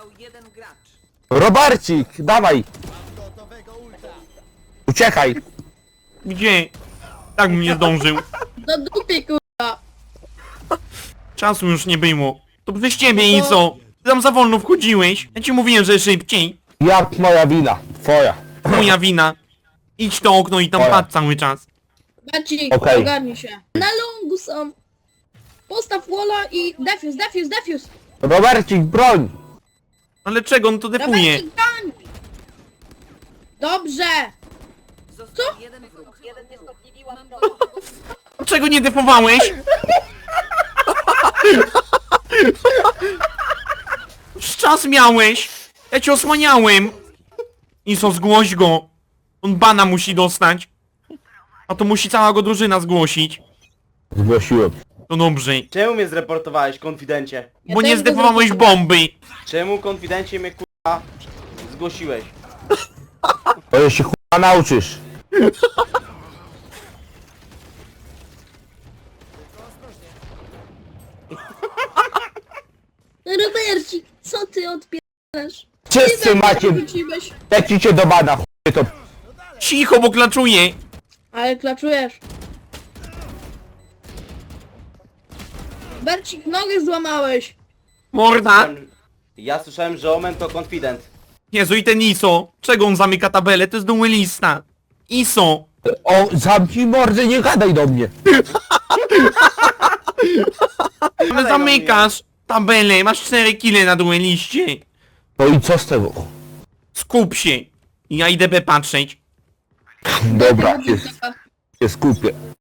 Został jeden gracz. Robercik, dawaj! Uciekaj! Gdzie? Tak bym nie zdążył. Do dupy, kurwa. Czasu już nie było. To przez ciebie i co? Ty tam za wolno wchodziłeś. Ja ci mówiłem, że szybciej. Jak moja wina, twoja. Moja wina. Idź to okno i tam Moja. patrz cały czas. Bacik, Okej. ogarnij się. Na longu są. Postaw walla i defuse. Robercik, broń! Ale czego on to defuje? Robercik, broń! Dobrze! Został jeden wróg. Czego nie defowałeś? Już czas miałeś. Ja cię osłaniałem. Iso, zgłoś go. On bana musi dostać. A to musi cała go drużyna zgłosić. Zgłosiłem. To dobrze. Czemu mnie zreportowałeś, konfidencie? Ja Bo też nie go zdefowałeś zreportowałem. bomby. Czemu, konfidencie, mnie kurwa zgłosiłeś? To się chupa nauczysz. Robercik, co ty odpierasz? Wszyscy macie, Wróciłeś. lecicie do bana, chuje to. Cicho, bo klaczuje. Ale klaczujesz. Robercik, nogę złamałeś. Morda. Ja słyszałem, że Omen to konfident. Jezu, i ten Iso. Czego on zamyka tabelę? To jest duelista. Iso. O, zamknij mordę, nie gadaj do mnie. Ale zamykasz tabelę. Masz 4 kile na dueliście. No i co z tego? Skup się. Ja idę B patrzeć. Dobra, się skupię.